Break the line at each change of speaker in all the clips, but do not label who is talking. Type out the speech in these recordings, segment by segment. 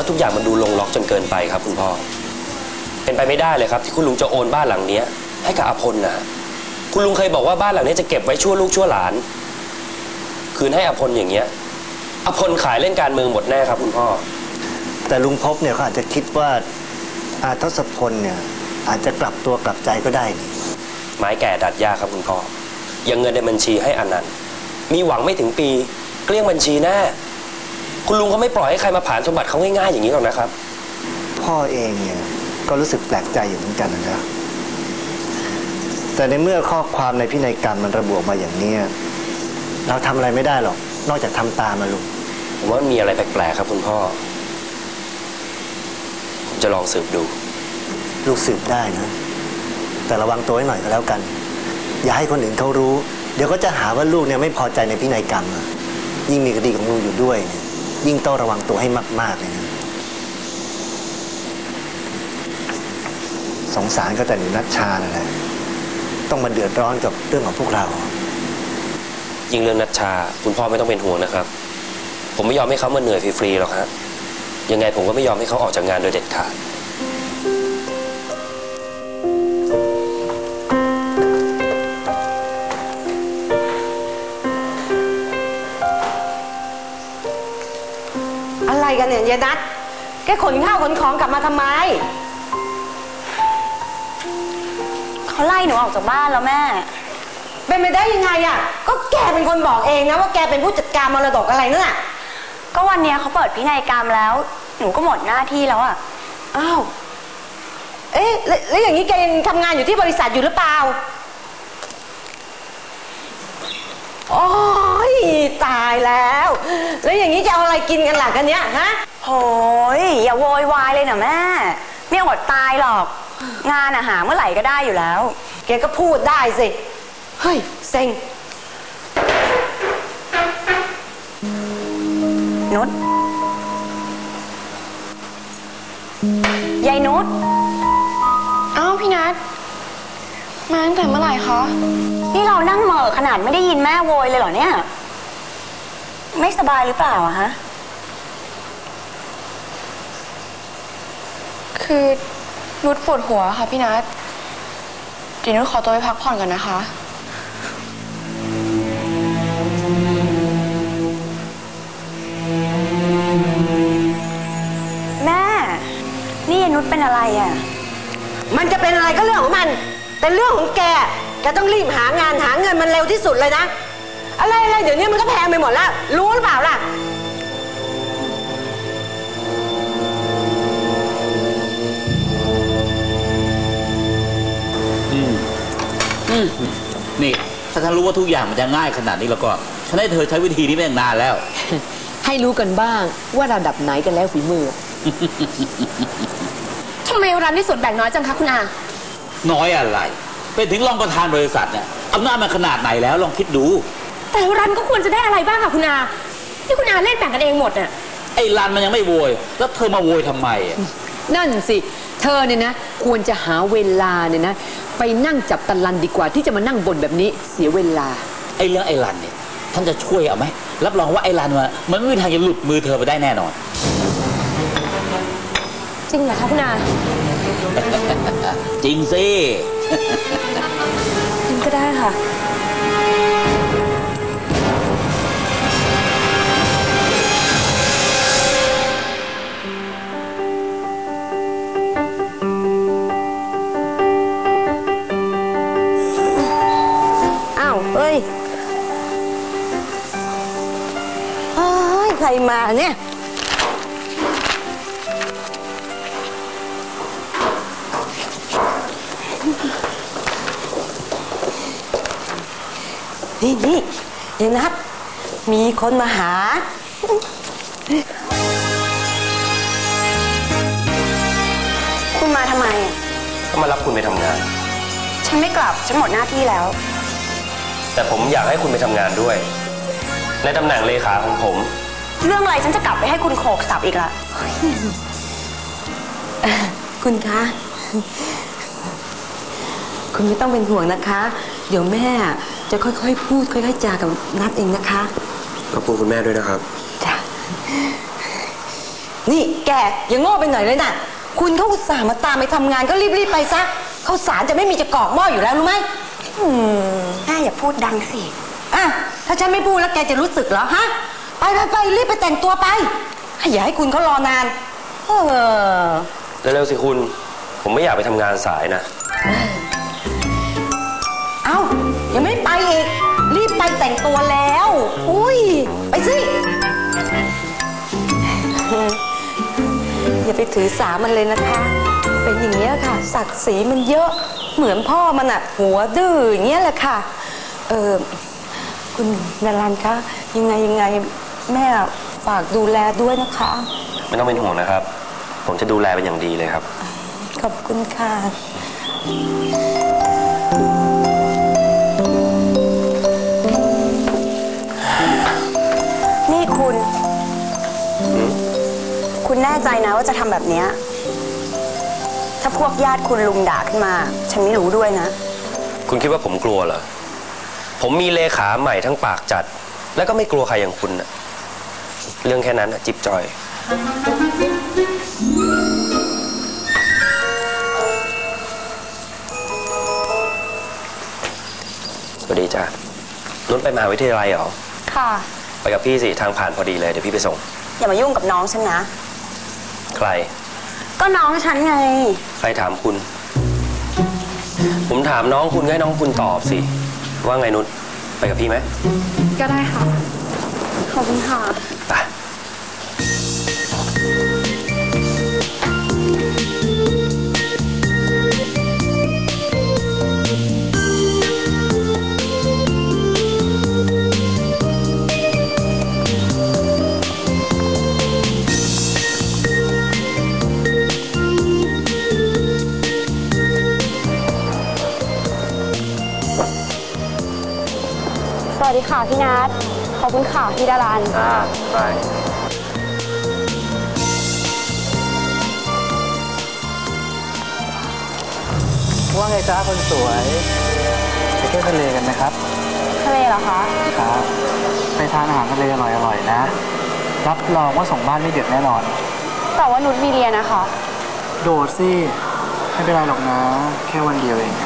ว่าทุกอย่างมันดูลงล็อกจนเกินไปครับคุณพ่อเป็นไปไม่ได้เลยครับที่คุณลุงจะโอนบ้านหลังนี้ให้กับอภลนะคุณลุงเคยบอกว่าบ้านหลังนี้จะเก็บไว้ชั่วลูกชั่วหลานคืนให้อภลอย่างเงี้ยอภลขายเล่นการเมืองหมดแน่ครับคุณพ่อ
แต่ลุงพบเนี่ยเขาอาจจะคิดว่าอาทศพลเนี่ยอาจจะกลับตัวกลับใจก็ได้
ไม้แก่ดัดยากครับคุณพ่อยังเงินในบัญชีให้อนันต์มีหวังไม่ถึงปีเกลี้ยงบัญชีแน่คุณลุงเขาไม่ปล่อยให้ใครมาผ่านสมบัติเขาง่ายๆอย่างนี้หรอกนะครับ
พ่อเองเนี่ยก็รู้สึกแปลกใจอยู่เหมือนกันนะครับแต่ในเมื่อข้อความในพินัยกรรมมันระบุมาอย่างนี้เราทำอะไรไม่ได้หรอกนอกจากทำตามมาลุง
ผมว่ามีอะไรแปลกๆครับคุณพ่อผมจะลองสืบดู
ลูกสืบได้นะแต่ระวังตัวให้หน่อยก็แล้วกันอย่าให้คนอื่นเขารู้เดี๋ยวก็จะหาว่าลูกเนี่ยไม่พอใจในพินัยกรรมยิ่งมีคดีของลูกอยู่ด้วยยิ่งต้องระวังตัวให้มากๆเลยนะสงสารก็แต่หนูนัชชานั่นแหละต้องมาเดือดร้อนกับเรื่องของพวกเรา
ยิ่งเรื่องนัชชาคุณพ่อไม่ต้องเป็นห่วงนะครับผมไม่ยอมให้เขามาเหนื่อยฟรีๆหรอกฮะยังไงผมก็ไม่ยอมให้เขาออกจากงานโดยเด็ดขาด
อะไรกันเนี่ยยายนัทแกขนข้าวขนของกลับมาทำไม
เขาไล่หนูออกจากบ้านแล้วแม่
เป็นไปได้ยังไงอ่ะก็แกเป็นคนบอกเองนะว่าแกเป็นผู้จัดการมรดกอะไรนั่นน่ะ
ก็วันนี้เขาเปิดพินัยกรรมแล้วหนูก็หมดหน้าที่แล้วอ่ะ
อ้าวเอ๊ะแล้วอย่างนี้แกยังทำงานอยู่ที่บริษัทอยู่หรือเปล่าโอ้ยตายแล้วแล้วอย่างนี้จะเอาอะไรกินกันล่ะกันเนี้ยฮะ
โหยอย่าโวยวายเลยนะแม่ไม่อดตายหรอกงานหาเมื่อไหร่ก็ได้อยู่แล้ว
แกก็พูดได้สิเฮ้ยเซ็ง
นุชยายนุช
อ้าวพี่นัทมาตั้งแต่เมื่อไหร่คะ
นี่เรานั่งเหม่อขนาดไม่ได้ยินแม่โวยเลยเหรอเนี่ยไม่สบายหรือเปล่าอะฮะ
คือนุชปวดหัวค่ะพี่นัทเดี๋ยวนุชขอตัวไปพักผ่อนก่อนนะคะ
แม่นี่ยายนุชเป็นอะไรอะ
มันจะเป็นอะไรก็เรื่องของมันแต่เรื่องของแกต้องรีบหางานหาเงินมันเร็วที่สุดเลยนะอะไรเดี๋ยวนี้มันก็แพงไปหมดแล้วรู้หรือเปล่าล่ะ
นี่ถ้าฉันรู้ว่าทุกอย่างมันจะง่ายขนาดนี้แล้วก็ฉันให้เธอใช้วิธีนี้มาตั้งนานแล้ว
ให้รู้กันบ้างว่าระดับไหนกันแล้วฝีมือ
ทำไมร้านที่ส่วนแบ่งน้อยจังคะคุณอา
น้อยอะไรเป็นถึงรองประธานบริษัทเนี่ยอำนาจมันขนาดไหนแล้วลองคิดดู
แต่รันก็ควรจะได้อะไรบ้างค่ะคุณอาที่คุณอาเล่นแบ่งกันเองหมดน่ะ
ไอ้รันมันยังไม่โวยแล้วเธอมาโวยทำไม
นั่นสิเธอเนี่ยนะควรจะหาเวลาเนี่ยนะไปนั่งจับตะลันดีกว่าที่จะมานั่งบ่นแบบนี้เสียเวลา
ไอ้เรื่องไอ้รันเนี่ยท่านจะช่วยเอาไหมรับรองว่าไอ้รันมันไม่มีทางจะหลุดมือเธอไปได้แน่นอน
จริงเหรอคะคุณอา
จริงสิ
จริงก็ได้ค่ะ
อ้าวเฮ้ยใครมาเนี่ยนี่ยายนัทมีคนมาหา
คุณมาทำไม
ก็มารับคุณไปทำงาน
ฉันไม่กลับฉันหมดหน้าที่แล้ว
แต่ผมอยากให้คุณไปทำงานด้วยในตำแหน่งเลขาของผม
เรื่องอะไรฉันจะกลับไปให้คุณโขกสับอีกละ
คุณคะคุณไม่ต้องเป็นห่วงนะคะเดี๋ยวแม่จะค่อยๆพูดค่อยๆจากับนัทเองนะคะ
ขอบคุณคุณแม่ด้วยนะครับ
จ้ะนี่แกอย่าโง่ไปหน่อยเลยนะคุณเขาอุตส่าห์มาตามไปทำงานก็รีบๆไปซะข้าวสารจะไม่มีจะกรอกหม้ออยู่แล้วรู้ไหม
แม่อย่าพูดดังสิ
อ่ะถ้าฉันไม่พูดแล้วแกจะรู้สึกเหรอฮะไปรีบไปแต่งตัวไปอย่าให้คุณเขารอนาน
เร็วๆสิคุณผมไม่อยากไปทำงานสายนะ
เอ้ายังไม่ไปอีกรีบไปแต่งตัวแล้วอุ้ยไปสิอย่าไปถือสามันเลยนะคะเป็นอย่างเงี้ยค่ะศักดิ์ศรีมันเยอะเหมือนพ่อมันอะหัวดื้ออย่างเงี้ยแหละค่ะคุณดารันคะยังไงแม่ฝากดูแลด้วยนะคะ
ไม่ต้องเป็นห่วงนะครับผมจะดูแลเป็นอย่างดีเลยครับ
ขอบคุณค่ะ
นี่คุณแน่ใจนะว่าจะทำแบบเนี้ยถ้าพวกญาติคุณลุงด่าขึ้นมาฉันไม่รู้ด้วยนะ
คุณคิดว่าผมกลัวเหรอผมมีเลขาใหม่ทั้งปากจัดแล้วก็ไม่กลัวใครอย่างคุณนะเรื่องแค่นั้นนะจิบจอยสวัสดีจ้ะนุชไปมหาวิทยาลัยเหรอ
ค่ะ
ไปกับพี่สิทางผ่านพอดีเลยเดี๋ยวพี่ไปส่ง
อย่ามายุ่งกับน้องฉันนะ
ใคร
ก็น้องฉันไง
ใครถามคุณผมถามน้องคุณให้น้องคุณตอบสิว่าไงนุชไปกับพี่ไหม
ก็ได้ค่ะขอบคุณค่ะ
ไป
สวัสดีค่ะพี่นัทขอบคุณค่ะพี่ดารัน
ไป
ว่าไงจ้าคนสวยไปเที่ยวทะเลกันไหมครับ
ทะเลเหรอคะ
ครับไปทานอาหารทะเลอร่อยๆนะรับรองว่าส่งบ้านไม่เดือดแน่นอน
แต่ว่านุชมีเรียนนะคะ
โดดสิไม่เป็นไรหรอกนะแค่วันเดียวเอง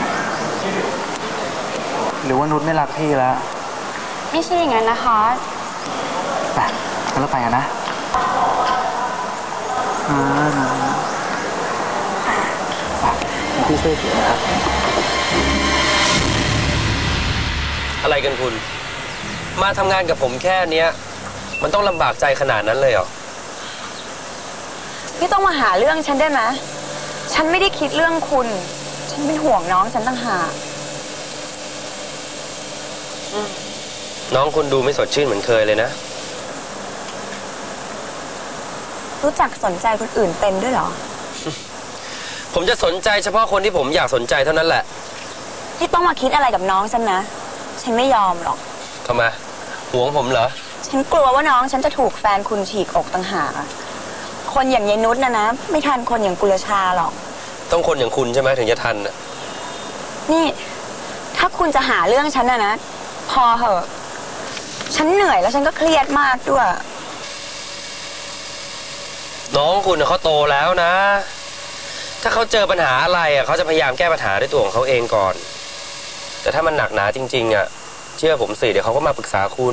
หรือว่านุชไม่รักพี่แล้ว
ไม่ใช่อย่างนั้นนะคะ
ไปงั้นเราไปกันนะพี่ช่วยถือนะครับ
อะไรกันคุณมาทำงานกับผมแค่เนี้ยมันต้องลำบากใจขนาดนั้นเลยเหรอ
พี่ต้องมาหาเรื่องฉันได้ไหมฉันไม่ได้คิดเรื่องคุณฉันเป็นห่วงน้องฉันต่างหาก
น้องคุณดูไม่สดชื่นเหมือนเคยเลยนะ
รู้จักสนใจคนอื่นเป็นด้วยเหรอ
ผมจะสนใจเฉพาะคนที่ผมอยากสนใจเท่านั้นแหละ
พี่ต้องมาคิดอะไรกับน้องฉันนะฉันไม่ยอมหรอก
ทำไมหวงผมเหรอ
ฉันกลัวว่าน้องฉันจะถูกแฟนคุณฉีกอกต่างหากคนอย่างยายนุชนะไม่ทันคนอย่างกุลชาหรอก
ต้องคนอย่างคุณใช่ไหมถึงจะทันน่ะ
นี่ถ้าคุณจะหาเรื่องฉันนะพอเหอะฉันเหนื่อยแล้วฉันก็เครียดมากด้วย
น้องคุณเขาโตแล้วนะถ้าเขาเจอปัญหาอะไรเขาจะพยายามแก้ปัญหาด้วยตัวของเขาเองก่อนแต่ถ้ามันหนักหนาจริงๆเชื่อผมสิเดี๋ยวเขาก็มาปรึกษาคุณ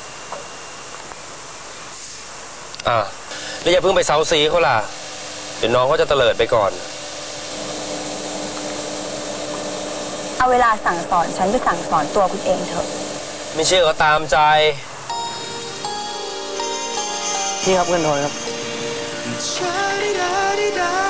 แล้วอย่าเพิ่งไปเซาซีเขาล่ะเดี๋ยวน้องเขาจะเตลิดไปก่อน
เอาเวลาสั่งสอนฉันไปสั่งสอนตัวคุณเองเถอะ
ไม่เชื่อก็ตามใจ
พี่ครับเงินทอนครับ